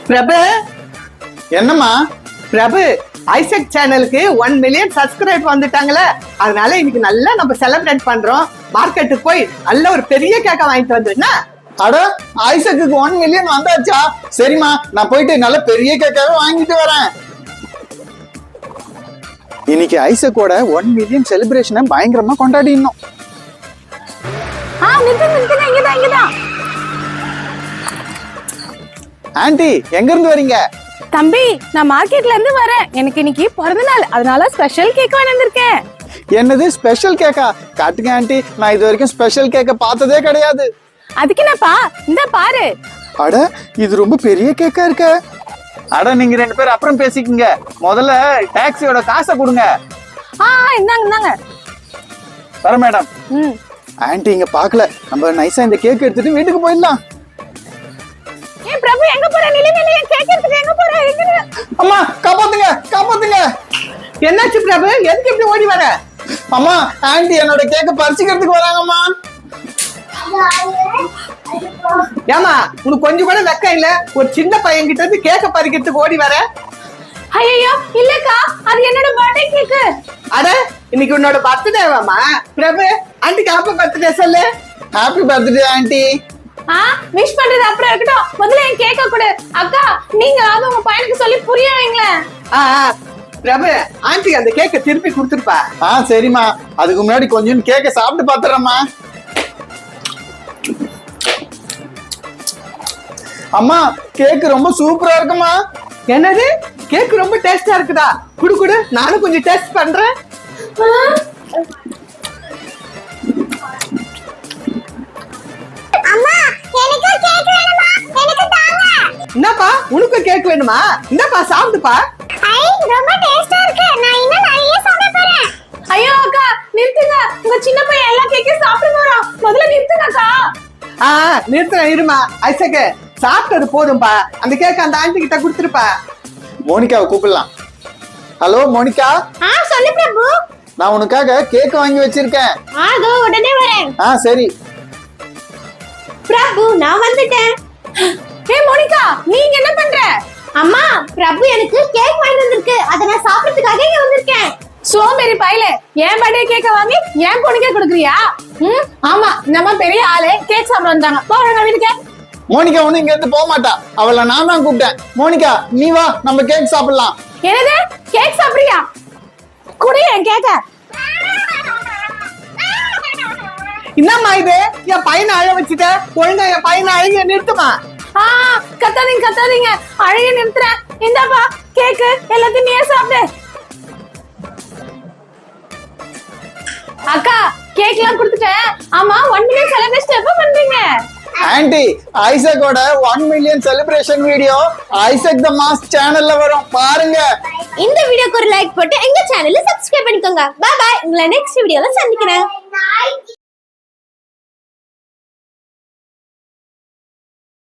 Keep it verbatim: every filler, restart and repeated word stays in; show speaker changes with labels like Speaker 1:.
Speaker 1: பிரபு
Speaker 2: என்னம்மா?
Speaker 1: பிரபு ஐசக் சேனலுக்கு one million subscribe வந்துட்டாங்களே, அதனால இன்னைக்கு நல்லா நம்ம செலிப்ரேட் பண்றோம். மார்க்கெட்டுக்கு போய் நல்ல ஒரு பெரிய கேக்க வாங்கிட்டு வந்துருன்னா.
Speaker 2: அட, ஐசக்கு ஒன் மில்லியன் வந்தாச்சா? சரிம்மா, நான் போயிட்டு நல்ல பெரிய கேக்காவே வாங்கிட்டு வரேன். இன்னைக்கு ஐசக்கோட ஒன் மில்லியன் செலிப்ரேஷனை பயங்கரமா கொண்டாடினோம்.
Speaker 3: ஆ நிறுத்து நிறுத்துங்க, இங்கதான் இங்கதான்.
Speaker 2: ஆன்ட்டி, எங்க இருந்து வரீங்க?
Speaker 3: தம்பி, நான் மார்க்கெட்ல இருந்து வரேன். எனக்கு இன்னைக்கு பிறந்த நாள், அதனால ஸ்பெஷல் கேக் வாங்கி வந்திருக்கேன்.
Speaker 2: என்னது ஸ்பெஷல் கேக்கா? காட்டுங்க ஆன்ட்டி, நான் இது வரைக்கும் ஸ்பெஷல் கேக்க பார்த்ததே கிடையாது.
Speaker 3: அதுக்கு என்னப்பா, இந்த பாரு.
Speaker 2: அட, இது ரொம்ப பெரிய கேக்கா இருக்க. அட, நீங்க ரெண்டு பேரும் அப்புறம் பேசிக்கங்க, முதல்ல டாக்ஸியோட காசை கொடுங்க.
Speaker 3: ஆ இந்தாங்க இந்தாங்க.
Speaker 2: வர மேடம்.
Speaker 3: ம்.
Speaker 2: ஆன்ட்டி இங்க பாக்கல, நம்ம நைஸா இந்த கேக் எடுத்துட்டு வீட்டுக்கு போயிடலாம்.
Speaker 3: ஏ பிரபு, எங்க போற? நிலை நிலை கேக் எடுத்துட்டு எங்க போற? எங்க?
Speaker 2: அம்மா, காப்பாத்துங்க காப்பாத்துங்க.
Speaker 1: என்னாச்சு பிரபு, எதுக்கு இப்படி ஓடி வர?
Speaker 2: அம்மா, ஆன்ட்டி என்னோட கேக்க பறிச்சுக்கிறதுக்கு வராங்கம்மா.
Speaker 1: ஏமா, உனக்கு கொஞ்சம் கூட வெக்கம் இல்ல? ஒரு சின்ன பையன் கிட்ட இருந்து கேக்க பறிக்கிறதுக்கு ஓடி வர?
Speaker 3: ஐயோ இல்லக்கா, அது என்னோட பர்த்டே கேக்.
Speaker 1: அட, இன்னைக்கு உன்னோட பர்த்டேவாமா? பிரபு, ஆன்ட்டிக்கு ஹாப்பி பர்த்டே சொல்லு.
Speaker 2: Happy birthday aunty.
Speaker 3: ஆ விஷ் பண்றது அப்புறம் இருக்கட்டும், முதல்ல என் கேக்க கொடு. அக்கா, நீங்க அது உங்க பையனுக்கு சொல்லி புரிய வைங்களேன்.
Speaker 1: ஆ பிரபு, ஆன்ட்டி அந்த கேக்க திருப்பி கொடுத்துருப்பா.
Speaker 2: ஆ சரிம்மா, அதுக்கு முன்னாடி கொஞ்சம் கேக்க சாப்பிட்டு பாத்துறேம்மா. அம்மா, கேக் ரொம்ப சூப்பரா இருக்குமா.
Speaker 1: என்னது, கேக் ரொம்ப டேஸ்டா இருக்குதா? குடு குடு, நானும் கொஞ்சம் டேஸ்ட் பண்றேன். என்னப்பா, உனக்கு கேக் வேணுமா? என்னப்பா, சாப்பிடுப்பா.
Speaker 3: ஐயோ அக்கா, நிறுத்துங்க. உங்க சின்ன பையன் எல்லா கேக்கையும் சாப்பிட போறான். முதல்ல நிறுத்துங்க அக்கா.
Speaker 1: ஆ நிறுத்துறேன், இருமா. ஐசக்கு, சாப்பிட்டது போதும்பா. அந்த கேக் அந்த ஆண்டி கிட்ட கொடுத்துருப்பா.
Speaker 2: மோனிகாவை கூப்பிடலாம். Hello Monica.
Speaker 3: ஆ சொல்லு பிரபு.
Speaker 2: நான் உனக்காக கேக் வாங்கி வச்சிருக்கேன்.
Speaker 3: ஆ தோ உடனே வரேன்.
Speaker 2: ஆ சரி.
Speaker 3: பிரபு, நான் வந்துட்டேன். ஏ மோனிகா, நீங்க என்ன பண்ற? அம்மா, பிரபு எனக்கு கேக் வாங்கி வந்திருக்கு, அத நான் சாப்பிடுறதுக்காக இங்க வந்திருக்கேன். சோமேரி பையலே, ஏன் பர்த்டே கேக்க வாங்கி ஏன் பொண்ணுக்கே கொடுக்குறியா? ம் ஆமா, நம்ம பெரிய ஆளே கேக் சாப்பிட வந்தாங்க. போறங்க வீட்டுக்கு.
Speaker 2: மோனிகா ஒண்ணு இங்க இருந்து போக மாட்டா, அவளை நான் தான் கூப்பிட்டேன். மோனிகா நீ வா, நம்ம கேக் சாப்பிடலாம்.
Speaker 3: என்னது, கேக் சாப்பிடுறியா? குடி என் கேக்க.
Speaker 1: என்னம்மா இது, என் பையனை அழ வச்சுட்ட. ஒழுங்கா என் பையனை அழகிய நிறுத்துமா.
Speaker 3: ஆ கத்தாதீங்க கத்தாதீங்க, அழகிய நிறுத்துறேன். இந்தாப்பா கேக்கு, எல்லாத்தையும் நீயே சாப்பிடு. அக்கா, கேக் எல்லாம் கொடுத்துட்டேன். ஆமா, ஒன் மில்லியன் செலிப்ரேஷன் எப்ப பண்றீங்க?
Speaker 2: ஆன்ட்டி, ஐசக்கோட one million celebration video Isaac the mass சேனல்ல வரும், பாருங்க.
Speaker 3: இந்த வீடியோக்கு ஒரு லைக் போட்டு எங்க சேனலை சப்ஸ்கிரைப் பண்ணிக்கோங்க. பை பை, உங்களை நெக்ஸ்ட் வீடியோல சந்திக்கிறேன்.